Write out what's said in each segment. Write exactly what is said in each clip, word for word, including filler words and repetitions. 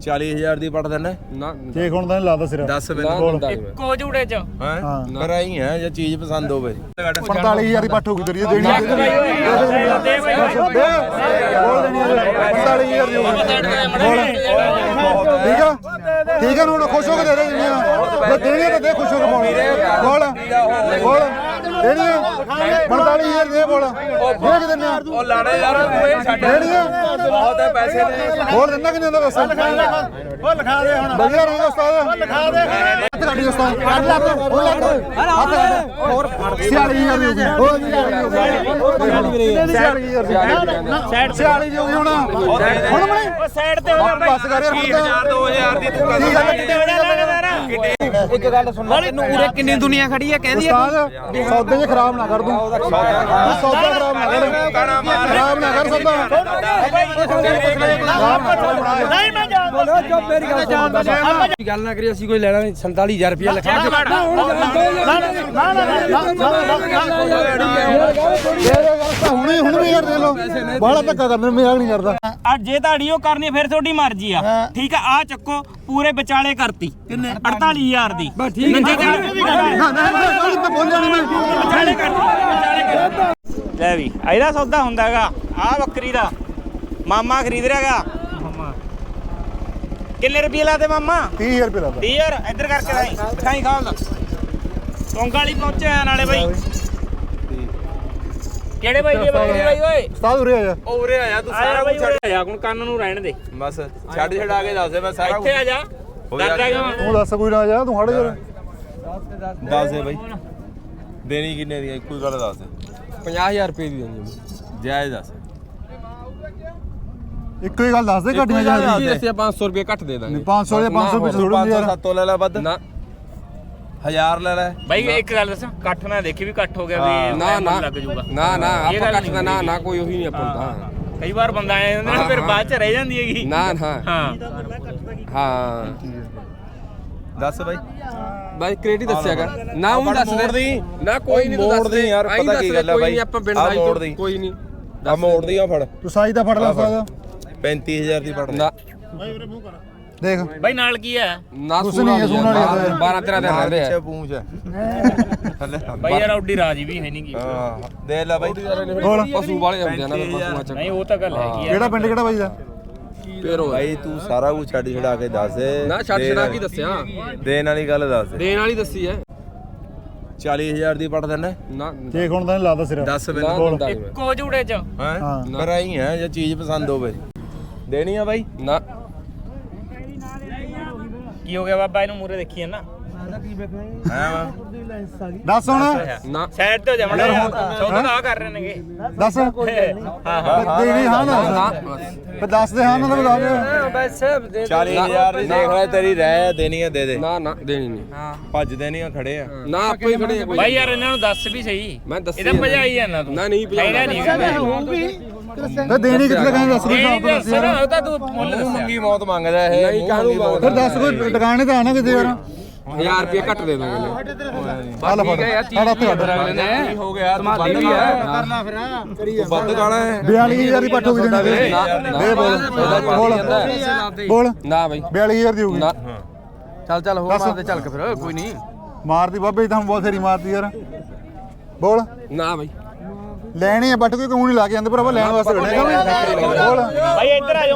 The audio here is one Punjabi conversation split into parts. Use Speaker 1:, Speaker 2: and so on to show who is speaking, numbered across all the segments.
Speaker 1: ਚਾਲੀ ਹਜ਼ਾਰ ਦੀ ਪੜ ਦਿੰਨੇ
Speaker 2: ਨਾ
Speaker 3: ਚੇਕ ਹੁਣ ਤਾਂ ਨੀ ਲਾਦਾ ਸਿਰ
Speaker 1: ਦਸ ਬਿੰਦ
Speaker 4: ਇੱਕੋ ਝੂੜੇ ਚ
Speaker 1: ਹਾਂ ਪਰ ਆਈ ਹੈ ਜੇ ਚੀਜ਼ ਪਸੰਦ ਹੋਵੇ
Speaker 3: ਪੰਤਾਲੀ ਹਜ਼ਾਰ ਦੀ ਪੱਠ ਹੋਊਗੀ ਤੇਰੀ ਦੇਣੀ
Speaker 4: ਦੇ ਬਈ
Speaker 3: ਬੋਲ ਦੇਣੀ ਪੰਤਾਲੀ ਹਜ਼ਾਰ ਦੀ ਹੋਊਗੀ ਠੀਕ ਆ ਠੀਕ ਆ ਨੂੰ ਖੁਸ਼ ਹੋ ਕੇ ਦੇ ਦੇ ਦੇਣੀ ਆ ਦੇਣੀ ਤਾਂ ਦੇ ਖੁਸ਼ ਹੋ ਕੇ ਬੋਲ ਬੋਲ ਦੇਣੀ ਆ ਪੰਤਾਲੀ ਹਜ਼ਾਰ ਦੇ ਬੋਲ ਦੇ ਕੇ ਦਿੰਨੇ ਆ
Speaker 1: ਉਹ ਲਾੜੇ ਯਾਰ ਓਏ ਛੱਡ
Speaker 3: ਦੇਣੀ ਆ
Speaker 1: ਬਹੁਤ ਹੈ ਪੈਸੇ ਦੇ
Speaker 3: ਹੋਰ ਦਿੰਦਾ ਕਿੰਨੇ ਦਾ ਦੱਸ ਉਹ ਲਿਖਾ ਦੇ ਹੁਣ ਵਧੀਆ ਰਹੇਗਾ ਉਸਤਾਦ ਉਹ ਲਿਖਾ ਦੇ ਹੱਥ ਕੱਢੀ ਉਸਤਾਦ ਕੱਢ ਲੈ ਉਹ ਲੱਗ ਹੱਥ ਕੱਢ ਹੋਰ ਛਿਆਲੀ ਹਜ਼ਾਰ ਦੀ ਹੋ ਗਈ ਛਿਆਲੀ ਹਜ਼ਾਰ ਛਿਆਲੀ ਦੀ ਹੋ ਗਈ ਹੁਣ ਹੁਣ ਬਣੇ
Speaker 4: ਸਾਈਡ ਤੇ ਹੋ ਜਾ
Speaker 3: ਬਸ ਕਰ ਯਾਰ ਹੁਣ ਤਾਂ
Speaker 1: ਦੋ ਹਜ਼ਾਰ ਦੀ ਤੂੰ
Speaker 3: ਕੀ ਗੱਲ
Speaker 4: ਇੱਕ ਗੱਲ ਸੁਣ ਤੈਨੂੰ ਉਰੇ ਕਿੰਨੀ ਦੁਨੀਆ ਖੜੀ ਹੈ ਕਹਿੰਦੀ
Speaker 3: ਉਸਤਾਦ ਸੌਦੇ 'ਚ ਖਰਾਬ ਨਾ ਕਰ ਦੂੰ ਸੌਦਾ ਖਰਾਬ ਨਾ ਕਰ ਖਰਾਬ ਨਾ ਕਰ ਸੌਦਾ
Speaker 4: ਨਹੀਂ ਮੈਂ ਜਾਣ ਬੋਲੋ ਜੋ ਮੇਰੀ ਗੱਲ ਜਾਣਦਾ
Speaker 2: ਗੱਲ ਨਾ ਕਰੀ ਅਸੀਂ ਕੋਈ ਲੈਣਾ ਨਹੀਂ ਸੰਤਾਲੀ ਹਜ਼ਾਰ ਰੁਪਇਆ ਲਿਖਾ ਕੇ
Speaker 3: ਹੁਣੇ ਹੁਣ ਵੀ ਯਾਰ ਦੇ ਲੋ ਬਾਹਲਾ ਧੱਕਾ ਕਰ ਮੈਨੂੰ ਮਜ਼ਾਕ ਨਹੀਂ ਕਰਦਾ
Speaker 4: ਅੱਜ ਜੇ ਤੁਹਾਡੀ ਉਹ ਕਰਨੀ ਫਿਰ ਤੁਹਾਡੀ ਮਰਜ਼ੀ ਆ ਠੀਕ ਆ ਆ ਚੱਕੋ ਪੂਰੇ ਵਿਚਾਲੇ ਕਰਤੀ ਅੜਤਾਲੀ ਹਜ਼ਾਰ ਦੀ ਬਸ ਠੀਕ
Speaker 3: ਤਾਂ ਬੋਲਿਆ ਨਹੀਂ ਮੈਂ
Speaker 4: ਵਿਚਾਲੇ ਕਰਤੀ ਵਿਚਾਲੇ ਕਰਤੀ ਲੈ ਵੀ ਇਹਦਾ ਸੌਦਾ ਹੁੰਦਾ ਹੈਗਾ ਆ ਬੱਕਰੀ ਦਾ ਮਾਮਾ ਖਰੀਦ ਰਿਹਾਗਾ ਕਿੰਨੇ ਰੁਪਏ ਲਾਤੇ ਮਾਮਾ
Speaker 3: ਤੀਹ ਹਜ਼ਾਰ ਰੁਪਏ ਦਾ
Speaker 4: ਤੀਹ ਹਜ਼ਾਰ ਇੱਧਰ ਕਰਕੇ ਰਾਈ ਦਿਖਾਈ ਖਾਲ ਟੋਂਗਾ ਵਾਲੀ ਪਹੁੰਚਿਆ ਨਾਲੇ ਬਾਈ ਕਿਹੜੇ ਬਾਈ ਦੀ ਬੱਕਰੀ ਬਾਈ ਓਏ
Speaker 3: ਉਸਤਾਦ ਉਰੇ ਆ ਜਾ
Speaker 1: ਉਹ ਉਰੇ ਆਇਆ ਤੂੰ
Speaker 4: ਸਾਰਾ ਕੁਝ ਛੱਡ ਜਾ ਹੁਣ ਕੰਨ ਨੂੰ ਰਹਿਣ ਦੇ
Speaker 1: ਬਸ ਛੱਡ ਛਡਾ ਕੇ ਦੱਸ ਦੇ ਮੈਂ ਸਾਰਾ
Speaker 4: ਇੱਥੇ ਆ ਜਾ ਡਰਦਾ ਕਿਉਂ
Speaker 3: ਤੂੰ ਦੱਸ ਕੋਈ ਨਾ ਜਾ ਤੂੰ ਹੜ ਯਾਰ
Speaker 1: ਦੱਸ ਦੇ ਬਾਈ ਦੇਣੀ ਕਿੰਨੇ ਦੀ ਕੋਈ ਗੱਲ ਦੱਸ ਦੇ
Speaker 2: ਪੰਜਾਹ ਹਜ਼ਾਰ ਰੁਪਏ ਦੀ ਦੇਣੀ
Speaker 1: ਜਾਇਜ਼ ਦੱਸ
Speaker 3: ਇੱਕੋ ਹੀ ਗੱਲ ਦੱਸ ਦੇ ਘਟੀਆਂ ਜਾ
Speaker 2: ਜੀ ਅਸੀਂ ਪੰਜ ਸੌ ਰੁਪਏ ਘੱਟ ਦੇ ਦਾਂਗੇ
Speaker 3: ਪੰਜ ਸੌ ਦੇ ਪੰਜ ਸੌ ਵਿੱਚ ਥੋੜਾ ਯਾਰ
Speaker 1: ਸੱਤੋਂ ਲੈ ਲੈ ਵੱਧ
Speaker 2: ਨਾ
Speaker 1: ਹਜ਼ਾਰ ਲੈ ਲੈ
Speaker 4: ਬਾਈ ਇੱਕ ਗੱਲ ਦੱਸਾਂ ਇਕੱਠ ਨਾ ਦੇਖੀ ਵੀ ਇਕੱਠ ਹੋ ਗਿਆ ਵੀ
Speaker 2: ਨਾ ਨਾ
Speaker 4: ਲੱਗ ਜਾਊਗਾ
Speaker 2: ਨਾ ਨਾ
Speaker 4: ਇਹ
Speaker 2: ਆਪਾਂ
Speaker 4: ਗੱਲ
Speaker 2: ਘੱਟ ਦਾ ਨਾ ਨਾ ਕੋਈ ਉਹੀ ਨਹੀਂ ਆਪਾਂ ਦਾ
Speaker 4: ਕਈ ਵਾਰ ਬੰਦਾ ਆਏ ਹੁੰਦੇ ਨੇ ਫਿਰ ਬਾਅਦ ਚ ਰਹਿ ਜਾਂਦੀ ਹੈਗੀ
Speaker 2: ਨਾ ਨਾ
Speaker 4: ਹਾਂ
Speaker 2: ਹਾਂ
Speaker 1: ਦੱਸ ਬਾਈ
Speaker 2: ਬਾਈ ਕ੍ਰੇਡਿਟ ਦੱਸਿਆਗਾ ਨਾ ਉਹ ਦੱਸ ਦੇ ਨਾ ਕੋਈ ਨਹੀਂ
Speaker 1: ਮੋੜ ਦੇ ਯਾਰ ਪਤਾ ਕੀ ਗੱਲ ਹੈ ਬਾਈ
Speaker 2: ਆਪਾਂ ਪਿੰਡ
Speaker 1: ਆ
Speaker 2: ਦਾ
Speaker 1: ਮੋੜ ਦੀ
Speaker 2: ਕੋਈ ਨਹੀਂ
Speaker 1: ਆ ਮੋੜ ਦੀ ਆ ਫੜ
Speaker 3: ਤੂੰ ਸਾਈ ਦਾ ਫੜ ਲੈ ਉਸਤਾਦ
Speaker 1: ਪੈਂਤੀ ਹਜ਼ਾਰ ਦੀ ਫੜ ਲੈ
Speaker 2: ਨਾ
Speaker 3: ਦੇਖ
Speaker 4: ਬਾਈ ਨਾਲ ਕੀ ਹੈ
Speaker 2: ਨਾ
Speaker 3: ਕੁਛ ਨਹੀਂ ਹੈ, ਸੂਣ ਵਾਲੀ ਹੈ।
Speaker 2: ਬਾਰਾਂ ਤੇਰਾਂ ਦਿਨ ਰਹਿੰਦੇ
Speaker 1: ਪਿੱਛੇ
Speaker 2: ਆ
Speaker 1: ਪੂੰਛ ਹੈ ਥੱਲੇ
Speaker 4: ਬਾਈ ਯਾਰ ਔਡੀ ਰਾਜੀ ਵੀ ਹੈ ਨਹੀਂ ਕੀ
Speaker 1: ਹਾਂ ਦੇ ਲੈ ਬਾਈ
Speaker 3: ਬੋਲ
Speaker 2: ਪਸ਼ੂ ਵਾਲੇ ਹੁੰਦੇ ਆ ਨਾ ਪਸ਼ੂਆਂ ਚ
Speaker 4: ਨਹੀਂ ਉਹ ਤਾਂ ਗੱਲ ਹੈਗੀ ਆ
Speaker 3: ਕਿਹੜਾ ਪਿੰਡ ਕਿਹੜਾ ਬਾਈ ਦਾ
Speaker 2: ਫੇਰ ਉਹ
Speaker 1: ਬਾਈ ਤੂੰ ਸਾਰਾ ਕੁਝ ਛੱਡ ਛਡਾ ਕੇ ਦੱਸ ਦੇ
Speaker 2: ਨਾ ਛੱਡ ਛੜਾ ਕੀ ਦੱਸਿਆ
Speaker 1: ਦੇਣ ਵਾਲੀ ਗੱਲ ਦੱਸ ਦੇ
Speaker 2: ਦੇਣ ਵਾਲੀ ਦੱਸੀ ਐ
Speaker 1: ਚਾਲੀ ਹਜ਼ਾਰ ਦੀ ਪੜ ਦਿੰਨੇ
Speaker 2: ਨਾ
Speaker 3: ਚੇਕ ਹੁਣ ਤਾਂ ਨੀ ਲਾਦਾ ਸਿਰ
Speaker 1: ਦਸ ਬਿੰਦ
Speaker 2: ਨਾ
Speaker 3: ਬੋਲ।
Speaker 2: ਦਿੰਦਾ ਨੀ ਮੈਂ।
Speaker 4: ਇੱਕੋ ਝੂੜੇ ਚ
Speaker 1: ਹੈ
Speaker 3: ਹਾਂ।
Speaker 1: ਪਰ ਆਈ ਹੈ ਜੇ ਚੀਜ਼ ਪਸੰਦ ਹੋਵੇ ਦੇਣੀ ਆ ਬਾਈ
Speaker 2: ਨਾ
Speaker 4: ਕੀ ਹੋ ਗਿਆ ਬਾਬਾ ਇਹਨੂੰ ਮੂਰੇ ਦੇਖੀ ਨਾ
Speaker 1: ਹਾਂ
Speaker 3: ਦੱਸ ਹੁਣ
Speaker 2: ਨਾ
Speaker 4: ਸਾਈਡ ਤੇ ਹੋ ਜਾ ਮੜਾ ਸੌਦਾ ਆ ਕਰ ਰਹੇ ਨੇਗੇ
Speaker 3: ਦੱਸ
Speaker 4: ਹਾਂ ਹਾਂ
Speaker 3: ਦੇਣੀ ਹਾਂ ਨਾ
Speaker 2: ਨਾ
Speaker 3: ਫਿਰ ਦੱਸ ਦੇ ਹਾਂ ਨਾ ਤਾਂ ਦੱਸ ਦੇ
Speaker 1: ਚਾਲੀ ਹਜ਼ਾਰ ਦੀ ਦੇਖ ਲੈ ਤੇਰੀ ਰਹਿ ਦੇਣੀ ਆ ਦੇ ਦੇ
Speaker 2: ਨਾ ਨਾ ਦੇਣੀ ਨਹੀਂ
Speaker 1: ਭੱਜ ਦੇਣੀ ਆ ਖੜੇ ਆ
Speaker 2: ਨਾ ਆਪੇ ਹੀ ਖੜੇ ਆ ਕੋਈ
Speaker 4: ਬਾਈ ਯਾਰ ਇਹਨਾਂ ਨੂੰ ਦੱਸ ਵੀ ਸਹੀ
Speaker 2: ਮੈਂ ਦੱਸੀ
Speaker 4: ਇਹਦਾ ਭਜਾਈ ਜਾਂਦਾ ਤੂੰ
Speaker 2: ਨਾ ਨਹੀਂ
Speaker 4: ਹੈਗਾ ਨਹੀਂ
Speaker 3: ਫਿਰ ਦੇਣੀ ਕਿੱਥੇ ਕਹਿੰਦੇ ਦੱਸ ਕੋਈ
Speaker 4: ਇਹ ਦੱਸ ਨਾ ਉਹ ਤਾਂ ਤੂੰ ਮੁੱਲ ਦੱਸਿਆ
Speaker 1: ਮੰਗੀ ਮੌਤ ਮੰਗਦਾ ਇਹ
Speaker 2: ਨਹੀਂ ਕਾਹਨੂੰ ਮੰਗਦਾ?
Speaker 3: ਫਿਰ ਦੱਸ ਕੋਈ ਟਿਕਾਣੇ ਤਾਂ ਆਣਾ ਕਿਤੇ ਯਾਰ
Speaker 2: ਹਜ਼ਾਰ ਰੁਪਏ ਘੱਟ ਦੇ ਦਾਂਗੇ
Speaker 3: ਹਾਲ ਫੜ ਸਾਡਾ ਹੱਥ ਕੱਢ
Speaker 1: ਕੀ ਹੋ ਗਿਆ ਤੂੰ ਵੱਧ ਗਿਆ ਤੂੰ ਵੱਧ ਗਾਣਾ ਹੈ
Speaker 3: ਬਿਆਲੀ ਹਜ਼ਾਰ ਦੀ ਪੱਠ ਹੋ ਗਈ ਦੇਣੀ ਦੇ ਬੋਲ ਬੋਲ ਬੋਲ
Speaker 2: ਨਾ ਬਾਈ
Speaker 3: ਬਿਆਲੀ ਹਜ਼ਾਰ ਦੀ ਹੋ ਗਈ
Speaker 2: ਨਾ
Speaker 3: ਚੱਲ ਚੱਲ ਹੋਰ ਮਾਰ ਦੇ ਚੱਲ ਕੇ ਫਿਰ ਕੋਈ ਨਹੀਂ ਮਾਰਦੀ ਬਾਬੇ ਤਾਂ ਬਹੁਤ ਫੇਰੀ ਮਾਰਦੀ ਯਾਰ ਬੋਲ
Speaker 2: ਨਾ ਬਾਈ
Speaker 3: ਲੈਣੀ ਹੈ ਬੱਟ ਕੋਈ ਕਿਉਂ ਨਹੀਂ ਲਾ ਕੇ ਜਾਂਦੇ ਭਰਾਵਾ ਲੈਣ ਵਾਸਤੇ ਖੜੇਗਾ ਬੋਲ
Speaker 4: ਬਾਈ ਇੱਧਰ ਆ ਜਾਓ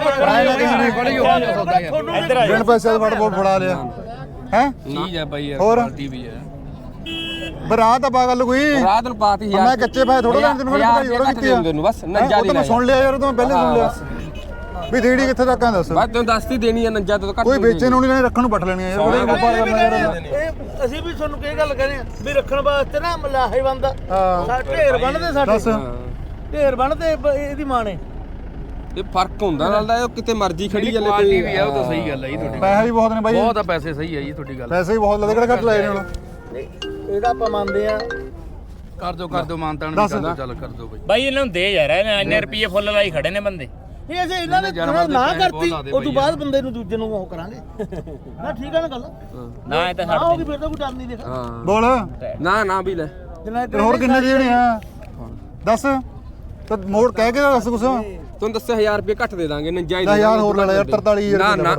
Speaker 4: ਮੈਂ ਇੱਧਰ ਆ
Speaker 3: ਬਿਨ ਪੈਸੇ ਦਾ ਫੜ ਬੋਲ ਫੜਾ ਲਿਆ ਹੈ
Speaker 2: ਚੀਜ਼ ਹੈ ਬਾਈ ਯਾਰ
Speaker 3: ਹੋਰ
Speaker 2: ਟੀਵੀ ਹੈ
Speaker 3: ਬਰਾਤ ਆ ਪਾਗਲ ਕੋਈ
Speaker 2: ਰਾਤ ਨੂੰ ਪਾਤੀ ਯਾਰ
Speaker 3: ਮੈਂ ਕੱਚੇ ਪਾਏ ਥੋੜਾ ਲੈਣ ਤੈਨੂੰ ਪਤਾ ਥੋੜਾ ਕਿੱਥੇ ਆ
Speaker 2: ਤੈਨੂੰ ਬਸ ਨੱਜਾ ਦੀ
Speaker 3: ਮੈਂ ਸੁਣ ਲਿਆ ਯਾਰ ਤੂੰ ਪਹਿਲੇ ਸੁਣ ਲਿਆ ਵੀ ਦੇੜੀ ਕਿੱਥੇ ਤੱਕ ਆ ਦੱਸ
Speaker 2: ਬਸ ਤੈਨੂੰ ਦੱਸਤੀ ਦੇਣੀ ਹੈ ਨੱਜਾ ਤੋਂ ਘੱਟ
Speaker 3: ਕੋਈ ਵੇਚੇ ਨੂੰ ਨਹੀਂ ਰੱਖਣ ਨੂੰ ਪੱਟ ਲੈਣੀ ਆ ਯਾਰ ਉਹਦੇ ਵਪਾਰ ਕਰਨਾ ਯਾਰ
Speaker 5: ਇਹ ਅਸੀਂ ਵੀ ਤੁਹਾਨੂੰ ਕੀ ਗੱਲ ਕਹਿੰਦੇ ਆ ਵੀ ਰੱਖਣ ਵਾਸਤੇ ਨਾ ਮਲਾਹੇ ਬੰਦਾ
Speaker 3: ਹਾਂ
Speaker 5: ਢੇਰ ਬੰਨਦੇ
Speaker 3: ਦੱਸ
Speaker 5: ਸਾਡੇ ਢੇਰ ਬੰਨਦੇ ਇਹਦੀ ਮਾਂ ਨੇ
Speaker 2: ਇਹ ਫਰਕ ਹੁੰਦਾ ਨਾਲ ਦਾ ਕਿਤੇ ਮਰਜ਼ੀ ਖੜੀ ਜਾਲੇ ਕੋਈ
Speaker 6: ਵੀ ਆ ਉਹ ਤਾਂ ਸਹੀ ਗੱਲ ਹੈ ਜੀ ਤੁਹਾਡੀ
Speaker 3: ਪੈਸੇ ਵੀ ਬਹੁਤ ਨੇ ਬਾਈ
Speaker 6: ਬਹੁਤ ਆ ਪੈਸੇ ਸਹੀ ਹੈ ਜੀ ਤੁਹਾਡੀ ਗੱਲ
Speaker 3: ਪੈਸੇ ਵੀ ਬਹੁਤ ਲੱਗਦੇ ਕਿਹੜਾ ਘੱਟ ਲਾਏ ਨੇ ਹੁਣ
Speaker 5: ਇਹਦਾ ਆਪਾਂ ਮੰਨਦੇ ਆ
Speaker 6: ਕਰ ਦੋ ਕਰ ਦੋ ਮਾਨਤਾਨ
Speaker 3: ਦੱਸ।
Speaker 6: ਵੀ ਕਰ ਦੋ ਚੱਲ ਕਰ ਦੋ ਬਈ
Speaker 4: ਬਾਈ ਇਹਨਾਂ ਨੂੰ ਦੇ ਯਾਰ ਇੰਨੇ ਰੁਪਏ ਫੁੱਲ ਲਾਈ ਖੜੇ ਨੇ ਬੰਦੇ
Speaker 5: ਇਹ ਅਸੀਂ ਇਹਨਾਂ ਨੇ
Speaker 6: ਜਾਨਵਰ ਦੇ
Speaker 5: ਨਾ
Speaker 6: ਪੈਸੇ
Speaker 5: ਕਰਤੀ
Speaker 6: ਬਹੁਤ ਲਾਦੇ
Speaker 5: ਉਸ ਤੋਂ
Speaker 6: ਬਈ
Speaker 5: ਬਾਅਦ ਬੰਦੇ ਨੂੰ ਦੂਜੇ ਨੂੰ ਉਹ ਕਰਾਂਗੇ ਨਾ ਠੀਕ ਆ ਨਾ ਗੱਲ
Speaker 4: ਨਾ ਇਹ ਤਾਂ
Speaker 5: ਆ ਹੋ
Speaker 4: ਛੱਡ
Speaker 5: ਗਈ
Speaker 4: ਦੇ
Speaker 5: ਫਿਰ ਤਾਂ ਕੋਈ ਡਰ ਨਹੀਂ ਦੇਖਾ
Speaker 2: ਹਾਂ
Speaker 3: ਬੋਲ
Speaker 2: ਨਾ ਨਾ ਵੀ ਲੈ
Speaker 5: ਜਿੰਨਾ
Speaker 3: ਤੇ ਹੋਰ ਕਿੰਨੇ ਦੇਣੇ ਆ ਦੱਸ ਤੇ ਮੋੜ ਕਹਿ ਕੇ ਤਾਂ ਦੱਸ ਕੁਛ
Speaker 2: ਤੁਹਾਨੂੰ ਦੱਸਿਆ ਹਜ਼ਾਰ ਰੁਪਏ ਘੱਟ ਦੇ ਦਾਂਗੇ ਨਜਾਇਜ਼
Speaker 3: ਦਸ ਹਜ਼ਾਰ ਹੋਰ ਲੈ ਲੈ ਯਾਰ ਤਰਤਾਲੀ ਹਜ਼ਾਰ
Speaker 2: ਨਾ ਨਾ
Speaker 3: ਰੁਪਏ